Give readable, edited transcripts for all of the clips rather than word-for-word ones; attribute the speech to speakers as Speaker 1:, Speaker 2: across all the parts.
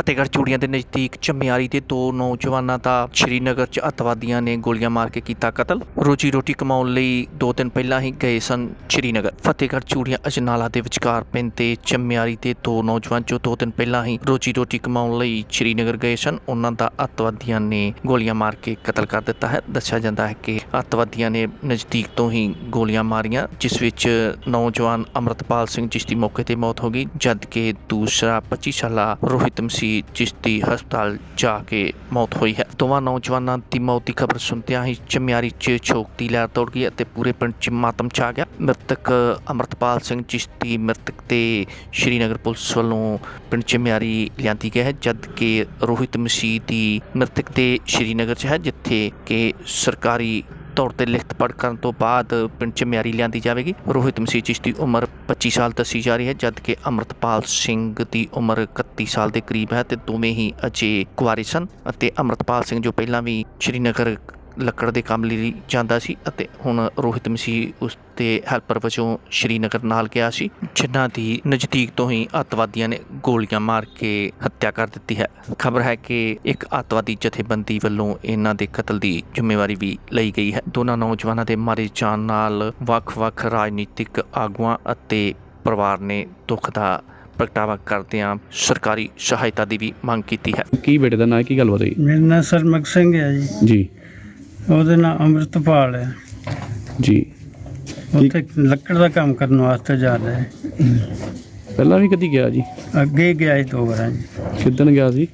Speaker 1: ਫਤਿਹਗੜ੍ਹ ਚੂੜੀਆਂ ਦੇ ਨਜ਼ਦੀਕ ਚਮਿਆਰੀ ਦੇ ਦੋ ਨੌਜਵਾਨਾਂ ਦਾ ਸ਼੍ਰੀਨਗਰ 'ਚ ਅੱਤਵਾਦੀਆਂ ਨੇ ਗੋਲੀਆਂ ਮਾਰ ਕੇ ਕੀਤਾ ਕਤਲ। ਰੋਜੀ ਰੋਟੀ ਕਮਾਉਣ ਲਈ 2 ਦਿਨ ਪਹਿਲਾਂ ਹੀ ਗਏ ਸਨ ਸ਼੍ਰੀਨਗਰ। ਫਤਿਹਗੜ੍ਹ ਚੂੜੀਆਂ ਅਜਨਾਲਾ ਦੇ ਵਿਚਕਾਰ ਪੈਂਦੇ ਚਮਿਆਰੀ ਦੇ ਦੋ ਨੌਜਵਾਨ ਜੋ 2 ਦਿਨ ਪਹਿਲਾਂ ਹੀ ਰੋਜੀ ਰੋਟੀ ਕਮਾਉਣ ਲਈ ਸ਼੍ਰੀਨਗਰ ਗਏ ਸਨ, ਉਹਨਾਂ ਦਾ ਅੱਤਵਾਦੀਆਂ ਨੇ ਗੋਲੀਆਂ ਮਾਰ ਕੇ ਕਤਲ ਕਰ ਦਿੱਤਾ ਹੈ। ਦੱਸਿਆ ਜਾਂਦਾ ਹੈ ਕਿ ਅੱਤਵਾਦੀਆਂ ਨੇ ਨਜ਼ਦੀਕ ਤੋਂ ਹੀ ਗੋਲੀਆਂ ਮਾਰੀਆਂ, ਜਿਸ ਵਿੱਚ ਨੌਜਵਾਨ ਅੰਮ੍ਰਿਤਪਾਲ ਸਿੰਘ ਜਿਸ ਦੀ ਮੌਕੇ ਤੇ ਮੌਤ ਹੋ ਗਈ, ਜਦਕਿ ਦੂਸਰਾ 25 ਸਾਲਾ ਰੋਹਿਤ ਮਸੀਹ ਜਿਸ ਦੀ ਹਸਪਤਾਲ ਜਾ ਕੇ ਮੌਤ ਹੋਈ ਹੈ। ਦੋਵਾਂ ਨੌਜਵਾਨਾਂ ਦੀ ਮੌਤ ਦੀ ਖਬਰ ਸੁਣਦਿਆਂ ਹੀ ਚਮਿਆਰੀ 'ਚ ਸ਼ੋਕ ਦੀ ਲਹਿਰ ਦੌੜ ਗਈ ਅਤੇ ਪੂਰੇ ਪਿੰਡ 'ਚ ਮਾਤਮ ਛਾ ਗਿਆ। ਮ੍ਰਿਤਕ ਅੰਮ੍ਰਿਤਪਾਲ ਸਿੰਘ ਜਿਸ ਦੀ ਮ੍ਰਿਤਕ ਤੇ ਸ਼੍ਰੀਨਗਰ ਪੁਲਿਸ ਵੱਲੋਂ ਪਿੰਡ ਚਮਿਆਰੀ ਲਿਆਂਦੀ ਗਈ ਹੈ, ਜਦਕਿ ਰੋਹਿਤ ਮਸੀਹ ਦੀ ਮ੍ਰਿਤਕ ਤੇ ਸ਼੍ਰੀਨਗਰ 'ਚ ਹੈ, ਜਿੱਥੇ ਕਿ ਸਰਕਾਰੀ ਤੌਰ ਤੇ ਲਿਖਤ ਪੜ੍ਹ ਕਰਨ ਤੋਂ ਬਾਅਦ ਪਿੰਡ ਚਮਿਆਰੀ ਲਿਆਂਦੀ ਜਾਵੇਗੀ। ਰੋਹਿਤ ਮਸੀਹ ਜਿਸ ਦੀ ਉਮਰ 25 ਸਾਲ ਦੱਸੀ ਜਾ ਰਹੀ ਹੈ, ਜਦਕਿ ਅੰਮ੍ਰਿਤਪਾਲ ਸਿੰਘ ਦੀ ਉਮਰ 31 ਸਾਲ ਦੇ ਕਰੀਬ ਹੈ ਤੇ ਦੋਵੇਂ ਹੀ ਅਜੇ ਕੁਆਰੇ ਸਨ। ਅਤੇ ਅੰਮ੍ਰਿਤਪਾਲ ਸਿੰਘ ਜੋ ਪਹਿਲਾਂ ਵੀ ਸ਼੍ਰੀਨਗਰ ਲੱਕੜ ਦੇ ਕੰਮ ਲਈ ਜਾਂਦਾ ਸੀ ਅਤੇ ਹੁਣ ਰੋਹਿਤ ਮਸੀਹ ਉਸ ਦੇ ਹੈਲਪਰ ਵਜੋਂ ਸ਼੍ਰੀਨਗਰ ਨਾਲ ਗਿਆ ਸੀ, ਜਿਨ੍ਹਾਂ ਦੀ ਨਜ਼ਦੀਕ ਤੋਂ ਹੀ ਅੱਤਵਾਦੀਆਂ ਨੇ ਗੋਲੀਆਂ ਮਾਰ ਕੇ ਹੱਤਿਆ ਕਰ ਦਿੱਤੀ ਹੈ। ਖਬਰ ਹੈ ਕਿ ਇੱਕ ਅੱਤਵਾਦੀ ਜਥੇਬੰਦੀ ਵੱਲੋਂ ਇਹਨਾਂ ਦੇ ਕਤਲ ਦੀ ਜ਼ਿੰਮੇਵਾਰੀ ਵੀ ਲਈ ਗਈ ਹੈ। ਦੋਨਾਂ ਨੌਜਵਾਨਾਂ ਦੇ ਮਾਰੇ ਜਾਣ ਨਾਲ ਵੱਖ-ਵੱਖ ਰਾਜਨੀਤਿਕ ਆਗੂਆਂ ਅਤੇ ਪਰਿਵਾਰ ਨੇ ਦੁੱਖ ਦਾ ਪ੍ਰਗਟਾਵਾ ਕਰਦਿਆਂ ਸਰਕਾਰੀ ਸਹਾਇਤਾ ਦੀ ਵੀ ਮੰਗ ਕੀਤੀ ਹੈ।
Speaker 2: ਕੀ ਬੇਟੇ ਦਾ ਨਾਂ, ਕੀ ਗੱਲਬਾਤ ਹੋਈ?
Speaker 3: ਮੇਰਾ ਨਾਂ ਸਰਮਕ ਸਿੰਘ ਹੈ
Speaker 2: ਜੀ।
Speaker 3: ਉਹਦਾ ਨਾਂ ਅੰਮ੍ਰਿਤਪਾਲ ਹੈ
Speaker 2: ਜੀ।
Speaker 3: ਉੱਥੇ ਲੱਕੜ ਦਾ ਕੰਮ ਕਰਨ ਵਾਸਤੇ ਜਾਂਦਾ ਹੈ।
Speaker 2: ਪਹਿਲਾਂ ਵੀ ਕਦੀ ਗਿਆ ਜੀ?
Speaker 3: ਅੱਗੇ ਗਿਆ ਸੀ 2 ਵਾਰਾਂ ਜੀ।
Speaker 2: ਕਿੱਦਣ ਗਿਆ ਸੀ?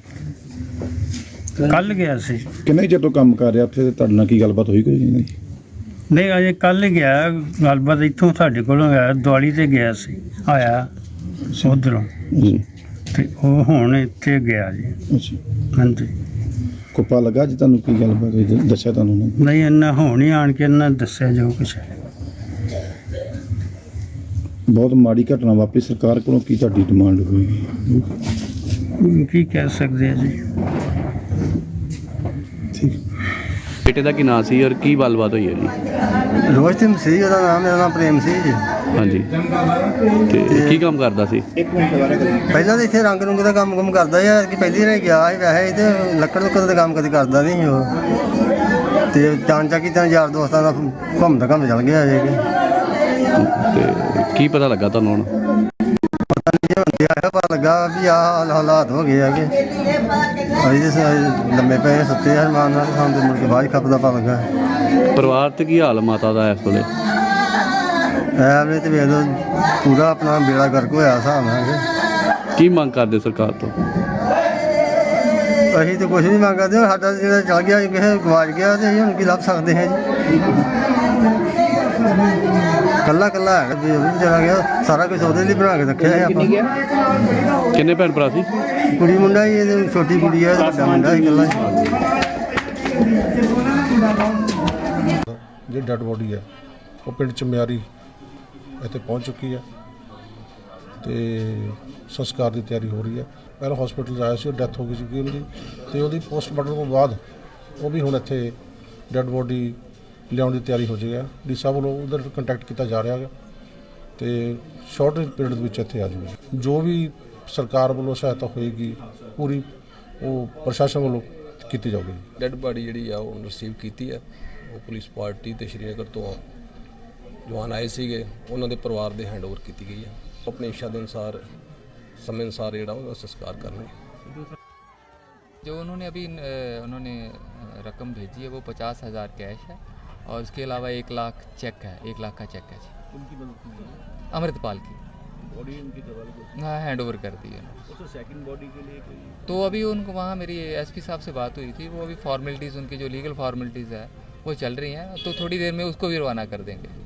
Speaker 3: ਕੱਲ ਗਿਆ ਸੀ।
Speaker 4: ਕਿੰਨੇ ਚਿਰ ਤੋਂ ਕੰਮ ਕਰ ਰਿਹਾ ਉੱਥੇ? ਤੁਹਾਡੇ ਨਾਲ ਕੀ ਗੱਲਬਾਤ ਹੋਈ ਕੋਈ ਨਹੀਂ?
Speaker 3: ਨਹੀਂ, ਅਜੇ ਕੱਲ ਗਿਆ। ਗੱਲਬਾਤ ਇੱਥੋਂ ਸਾਡੇ ਕੋਲੋਂ ਗਿਆ, ਦਿਵਾਲੀ ਤੇ ਗਿਆ ਸੀ, ਆਇਆ ਉੱਧਰੋਂ
Speaker 2: ਜੀ।
Speaker 3: ਤੇ ਉਹ ਹੁਣ ਇੱਥੇ ਗਿਆ ਜੀ।
Speaker 4: ਅੱਛਾ,
Speaker 3: ਹਾਂਜੀ।
Speaker 4: ਕੋਪਾ ਲੱਗਾ ਜੀ ਤੁਹਾਨੂੰ? ਕੀ ਗੱਲਬਾਤ ਹੋਈ ਦੱਸਿਆ ਤੁਹਾਨੂੰ ਉਹਨਾਂ ਨੇ?
Speaker 3: ਨਹੀਂ, ਇੰਨਾ ਹੁਣ ਹੀ ਆਣ ਕੇ ਇਹਨਾਂ ਦੱਸਿਆ ਜੋ ਕੁਛ ਹੈ।
Speaker 4: ਬਹੁਤ ਮਾੜੀ ਘਟਨਾ ਵਾਪਰੀ। ਸਰਕਾਰ ਕੋਲੋਂ ਕੀ ਤੁਹਾਡੀ ਡਿਮਾਂਡ ਹੋਏਗੀ?
Speaker 3: ਕੀ ਕਹਿ ਸਕਦੇ ਆ ਜੀ।
Speaker 4: ਠੀਕ।
Speaker 2: ਬੇਟੇ ਦਾ ਕੀ ਨਾਂ ਸੀ ਔਰ ਕੀ ਗੱਲਬਾਤ ਹੋਈ ਹੈ ਜੀ?
Speaker 5: ਰੋਹਿਤ ਮਸੀਹ ਉਹਦਾ ਨਾਮ, ਮੇਰਾ ਨਾਮ ਪ੍ਰੇਮ ਸਿੰਘ ਜੀ।
Speaker 2: ਹਾਂਜੀ। ਤੇ ਕੀ ਕੰਮ ਕਰਦਾ ਸੀ?
Speaker 5: ਪਹਿਲਾਂ ਤਾਂ ਇੱਥੇ ਰੰਗ ਰੁੰਗ ਦਾ ਕੰਮ ਕਰਦਾ ਸੀ, ਕਿ ਪਹਿਲੀ ਵਾਰ ਗਿਆ ਸੀ। ਵੈਸੇ ਤੇ ਲੱਕੜ ਲੁੱਕੜ ਦਾ ਕੰਮ ਕਦੇ ਕਰਦਾ ਨਹੀਂ ਸੀ ਉਹ, ਤੇ ਚਾਂਚਾ ਕੀ ਤਾਂ ਯਾਰ ਦੋਸਤਾਂ ਦਾ ਘੁੰਮਦਾ ਚੱਲ ਗਿਆ ਜੇ।
Speaker 2: ਤੇ ਕੀ ਪਤਾ ਲੱਗਾ ਤੁਹਾਨੂੰ ਹੁਣ?
Speaker 5: ਪਤਾ ਨਹੀਂ ਹੁੰਦੇ ਆਇਆ, ਪਤਾ ਲੱਗਾ ਵੀ ਆਹ ਹਾਲਾਤ ਹੋ ਗਏ ਹੈਗੇ। ਅਸੀਂ ਲੰਮੇ ਪਏ ਸੁੱਤੇ ਹਰਮਾਨ ਨਾਲ, ਸਾਨੂੰ ਤੇ ਮੁੜ ਕੇ ਬਾਅਦ ਖੱਪ ਦਾ ਪਤਾ ਲੱਗਾ।
Speaker 2: ਪਰਿਵਾਰ ਤੇ ਕੀ ਹਾਲ ਮਾਤਾ ਦਾ ਇਸ ਵੇਲੇ?
Speaker 5: ਐਵੇਂ ਤੇ ਵੇਖ ਲਓ ਪੂਰਾ ਆਪਣਾ ਬੇੜਾ ਗਰਕ ਹੋਇਆ ਹਿਸਾਬ ਨਾਲ।
Speaker 2: ਕੀ ਮੰਗ ਕਰਦੇ ਸਰਕਾਰ ਤੋਂ?
Speaker 5: ਅਸੀਂ ਤਾਂ ਕੁਛ ਨਹੀਂ ਮੰਗਦੇ, ਸਾਡਾ ਜਿਹੜਾ ਚਲ ਗਿਆ ਕਿਸੇ ਗਵਾਚ ਗਿਆ ਤੇ ਅਸੀਂ ਹੁਣ ਕੀ ਲੱਭ ਸਕਦੇ ਹਾਂ ਜੀ। ਕੱਲਾ ਹੈਗਾ ਜੀ, ਉਹ ਵੀ ਚਲਾ ਗਿਆ। ਸਾਰਾ ਕੁਝ ਉਹਦੇ ਲਈ ਬਣਾ ਕੇ ਰੱਖਿਆ ਹੈ ਆਪਾਂ।
Speaker 2: ਕਿੰਨੇ ਭੈਣ ਭਰਾ ਸੀ?
Speaker 5: ਕੁੜੀ ਮੁੰਡਾ ਹੀ, ਇਹਦੀ ਛੋਟੀ ਕੁੜੀ ਹੈ, ਵੱਡਾ ਮੁੰਡਾ ਹੀ ਇਕੱਲਾ।
Speaker 6: ਜਿਹੜੀ ਡੈੱਡ ਬੋਡੀ ਹੈ ਉਹ ਪਿੰਡ ਚਮਿਆਰੀ ਇੱਥੇ ਪਹੁੰਚ ਚੁੱਕੀ ਹੈ ਤੇ ਸੰਸਕਾਰ ਦੀ ਤਿਆਰੀ ਹੋ ਰਹੀ ਹੈ। ਪਹਿਲਾਂ ਹਸਪੀਟਲ ਆਇਆ ਸੀ, ਉਹ ਡੈਥ ਹੋ ਗਈ ਸੀ ਉਹਦੀ, ਤੇ ਉਹਦੀ ਪੋਸਟਮਾਰਟਮ ਤੋਂ ਬਾਅਦ ਉਹ ਵੀ ਹੁਣ ਇੱਥੇ ਡੈੱਡ ਬੋਡੀ ਲਿਆਉਣ ਦੀ ਤਿਆਰੀ ਹੋ ਜਾਏਗਾ। ਡੀ ਸਾਹਿਬ ਵੱਲੋਂ ਉਧਰ ਕੰਟੈਕਟ ਕੀਤਾ ਜਾ ਰਿਹਾ ਹੈ ਤੇ ਸ਼ਾਰਟ ਪੀਰੀਅਡ ਦੇ ਵਿੱਚ ਇੱਥੇ ਆ ਜਾਊਗਾ। ਜੋ ਵੀ ਸਰਕਾਰ ਵੱਲੋਂ ਸਹਾਇਤਾ ਹੋਏਗੀ ਪੂਰੀ ਉਹ ਪ੍ਰਸ਼ਾਸਨ ਵੱਲੋਂ ਕੀਤੀ ਜਾਊਗੀ।
Speaker 7: ਡੈੱਡ ਬਾਡੀ ਜਿਹੜੀ ਆ ਉਹ ਰਿਸੀਵ ਕੀਤੀ ਹੈ। ਉਹ ਪੁਲਿਸ ਪਾਰਟੀ ਤੇ ਸ਼੍ਰੀਨਗਰ ਤੋਂ ਜਵਾਨ ਆਏ ਸੀਗੇ, ਉਹਨਾਂ ਦੇ ਪਰਿਵਾਰ ਦੇ ਹੈਂਡਓਵਰ ਕੀਤੀ ਗਈ ਹੈ। ਆਪਣੇ ਇੱਛਾ ਦੇ ਅਨੁਸਾਰ समय अनुसार ਜਿਹੜਾ ਉਹਦਾ ਸੰਸਕਾਰ ਕਰਨਗੇ।
Speaker 8: जो उन्होंने रकम भेजी है वो 50,000 कैश है और उसके अलावा 1 लाख चेक है, 1 लाख का चेक है जी। उनकी अमृतपाल की बॉडी उनकी हाँ हैंड ओवर कर दी है। सेकंड बॉडी के लिए तो अभी उनको वहाँ मेरी एसपी साहब से बात हुई थी, वो अभी फॉर्मेलिटीज़ उनकी जो लीगल फॉर्मेलिटीज़ है वो चल रही हैं, तो थोड़ी देर में उसको भी रवाना कर देंगे।